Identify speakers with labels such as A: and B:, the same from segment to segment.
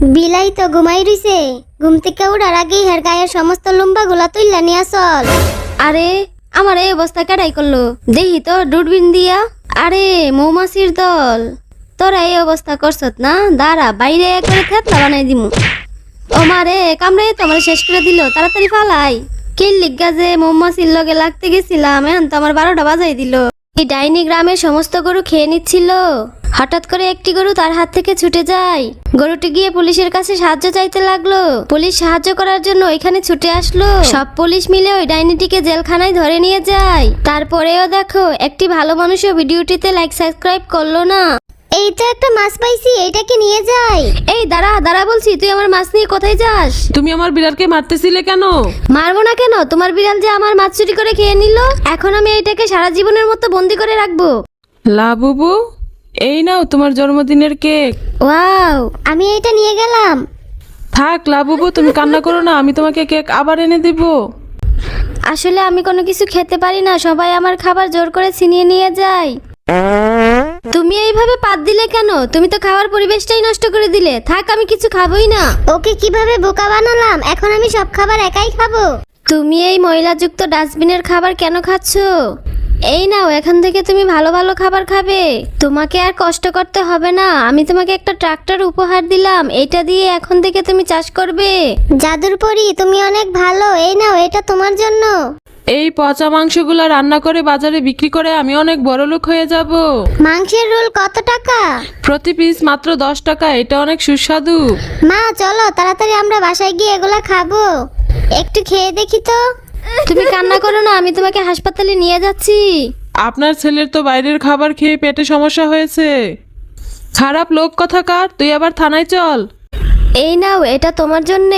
A: বিলাই তো ঘুমাই রইছে, ঘুম থেকে উঠার আগেই হের গায়ের সমস্ত লম্বা গুলা তুইলা নিয়া চল।
B: আরে আমার এই অবস্থা কেডাই করলো দেখি তো দূরবীন দিয়া। আরে মৌমাছির দল, তোরা এই অবস্থা করছত না, দাঁড়া বাইরে করে থেতলা বানাই দিমু। ও মারে কামড়ে তোমার শেষ করে দিল, তাড়াতাড়ি ফালাই। কি লিগা যে মৌমাছির লগে লাগতে গেছিলাম, এখন তো আমার 12টা বাজাই দিল। এই ডাইনি গ্রামের সমস্ত গরু খেয়ে নিচ্ছিল, হঠাৎ করে একটি গরু তার হাত থেকে ছুটে যায়। গরুটি গিয়ে পুলিশের কাছে সাহায্য চাইতে লাগলো। পুলিশ সাহায্য করার জন্য ওইখানে ছুটে আসলো। সব পুলিশ মিলে ওই ডাইনিটিকে জেলখানায় ধরে নিয়ে যায়। তারপরেও দেখো একটি ভালো মানুষও ভিডিওটিতে লাইক সাবস্ক্রাইব করলো না।
A: এই তো একটা মাছ পাইছি, এইটাকে নিয়ে যাই।
B: এই দাঁড়া দাঁড়া বলছি, তুই আমার মাছ নিয়ে কোথায় যাস?
C: তুমি আমার বিড়ালকে মারতেছিলে কেন?
B: মারবো না কেন, তোমার বিড়াল যে আমার মাছ চুরি করে খেয়ে নিল, এখন আমি এইটাকে সারা জীবনের মতো বন্দি করে রাখবো।
C: লাবুবু, এই নাও তোমার জন্মদিনের কেক।
B: ওয়াও,
A: আমি এটা নিয়ে গেলাম।
C: থাক লাবুবু, তুমি কান্না করো না, আমি তোমাকে কেক আবার এনে দিব।
B: আসলে আমি কোনো কিছু খেতে পারি না, সবাই আমার খাবার জোর করে ছিনিয়ে নিয়ে যায়। তুমি এইভাবে পাত দিলে কেন? তুমি তো খাওয়ার পরিবেশটাই নষ্ট করে দিলে। থাক, আমি কিছু খাবোই না।
A: ওকে কিভাবে বোকা বানালাম, এখন আমি সব খাবার একাই খাবো।
B: তুমি এই ময়লাযুক্ত ডাস্টবিনের খাবার কেন খাচ্ছো? এই নাও, এখান থেকে তুমি ভালো ভালো খাবার খাবে। তোমাকে আর কষ্ট করতে হবে না। আমি তোমাকে একটা ট্রাক্টর উপহার দিলাম, এটা দিয়ে এখন থেকে তুমি চাষ করবে।
A: জাদুর পরি, তুমি অনেক ভালো। এই নাও, এটা তোমার জন্য।
C: এই পচা মাংসগুলো রান্না করে বাজারে বিক্রি করে আমি অনেক বড়লোক হয়ে যাব।
A: মাংসের রোল কত টাকা?
C: প্রতি পিস মাত্র 10 টাকা। এটা অনেক সুস্বাদু।
A: মা চলো তাড়াতাড়ি আমরা বাসায় গিয়ে এগুলা খাবো। একটু খেয়ে দেখি তো।
B: তুমি কান্না করো না, আমি তোমাকে হাসপাতালে নিয়ে যাচ্ছি।
C: আপনার ছেলের তো বাইরের খাবার খেয়ে পেটে সমস্যা হয়েছে। খারাপ লোক কথাকার, তুই আবার থানায় চল।
B: এই নাও, এটা তোমার জন্যে।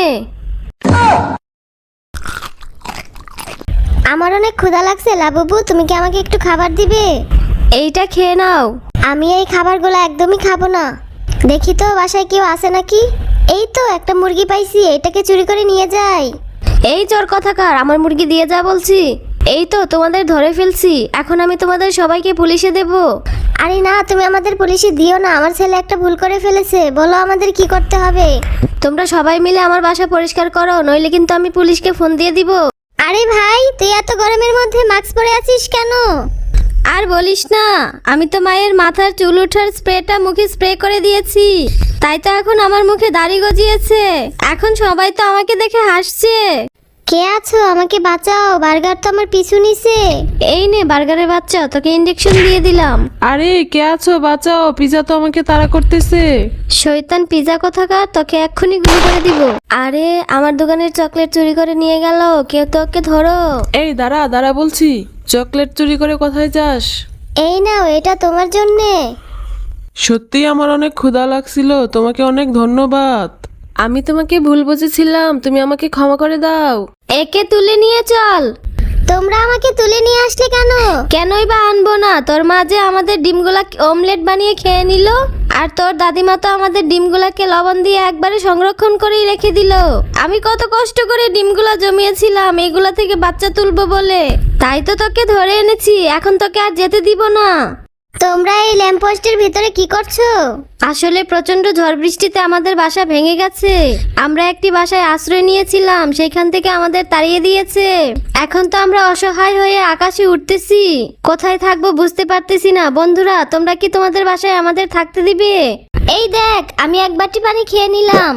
A: আমার অনেক ক্ষুধা লাগছে লাবুবু, তুমি কি আমাকে একটু খাবার দিবে?
B: এইটা খেয়ে নাও।
A: আমি এই খাবারগুলো একদমই খাবো না। দেখি তো বাসায় কেউ আছে নাকি। এই তো একটা মুরগি পাইছি, এটাকে চুরি করে নিয়ে যাই।
B: এই চোর কথাকার, আমার মুরগি দিয়ে যা বলছি। এই তো তোমাদের ধরে ফেলছি, এখন আমি তোমাদের সবাইকে পুলিশে দেব।
A: আরে না, তুমি আমাদের পুলিশে দিও না। আমার ছেলে একটা ভুল করে ফেলেছে, বলো আমাদের কি করতে হবে।
B: তোমরা সবাই মিলে আমার বাসা পরিষ্কার করো, নইলে কিন্তু আমি পুলিশকে ফোন দিয়ে দিব।
A: আরে ভাই, তুই এত গরমের মধ্যে মাস্ক পরে আছিস কেন?
B: আর বলিস না, আমি তো মায়ের মাথার চুল ওঠার স্প্রেটা মুখে স্প্রে করে দিয়েছি, তাই তো এখন আমার মুখে দাড়ি গজিয়েছে। এখন সবাই তো আমাকে দেখে হাসছে।
A: কে আছো? আমাকে বাঁচাও, বার্গার তো আমার পিছু নিছে।
B: এই নে বার্গারের বাচ্চা, তোকে ইনজেকশন দিয়ে দিলাম।
C: আরে কে আছো, বাঁচাও, পিজা তো আমাকে তাড়া করতেছে।
B: শয়তান পিজা কোথাকার, তোকে এক্ষুনি গুলি করে দিব। আরে আমার দোকানের চকলেট চুরি করে নিয়ে গেল, কেউ তোকে ধরো।
C: এই দাঁড়া দাঁড়া বলছি, চকলেট চুরি করে কোথায় যাস?
A: এই নাও, এটা তোমার জন্যে।
C: সত্যি আমার অনেক ক্ষুধা লাগছিল, তোমাকে অনেক ধন্যবাদ। আমি তোমাকে ভুল বুঝেছিলাম, তুমি আমাকে ক্ষমা করে দাও।
B: একে তুলে নিয়ে চল।
A: তোমরা আমাকে তুলে নিয়ে আসলে কেন?
B: কেনই বা আনবো না, তোর মা যে আমাদের ডিমগুলা অমলেট বানিয়ে খেয়ে নিল, আর তোর দাদিমা তো আমাদের ডিমগুলাকে লবণ দিয়ে একবারে সংরক্ষণ করেই রেখে দিল। আমি কত কষ্ট করে ডিমগুলা জমিয়েছিলাম এগুলা থেকে বাচ্চা তুলবো বলে, তাই তো তোকে ধরে এনেছি। এখন তোকে আর যেতে দিব না।
A: তোমরা এই ল্যাম্পপোস্টের ভিতরে কি করছো?
B: আসলে প্রচন্ড ঝড় বৃষ্টিতে আমাদের বাসা ভেঙে গেছে। আমরা একটি বাসায় আশ্রয় নিয়েছিলাম, সেখান থেকে আমাদের তাড়িয়ে দিয়েছে। এখন তো আমরা অসহায় হয়ে আকাশে উঠতেছি, কোথায় থাকবো বুঝতে পারতেছি না। বন্ধুরা, তোমরা কি তোমাদের বাসায় আমাদের থাকতে দিবে?
A: এই দেখ, আমি এক বাটি পানি খেয়ে নিলাম।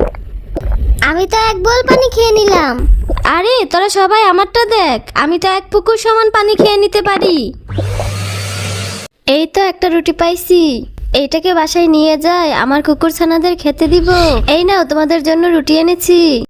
A: আমি তো এক বোল পানি খেয়ে নিলাম।
B: আরে তোরা সবাই আমারটা দেখ, আমি তো এক পুকুর সমান পানি খেয়ে নিতে পারি। এই তো একটা রুটি পাইছি, এইটাকে বাসায় নিয়ে যায়, আমার কুকুর ছানাদের খেতে দিব। এই নাও, তোমাদের জন্য রুটি এনেছি।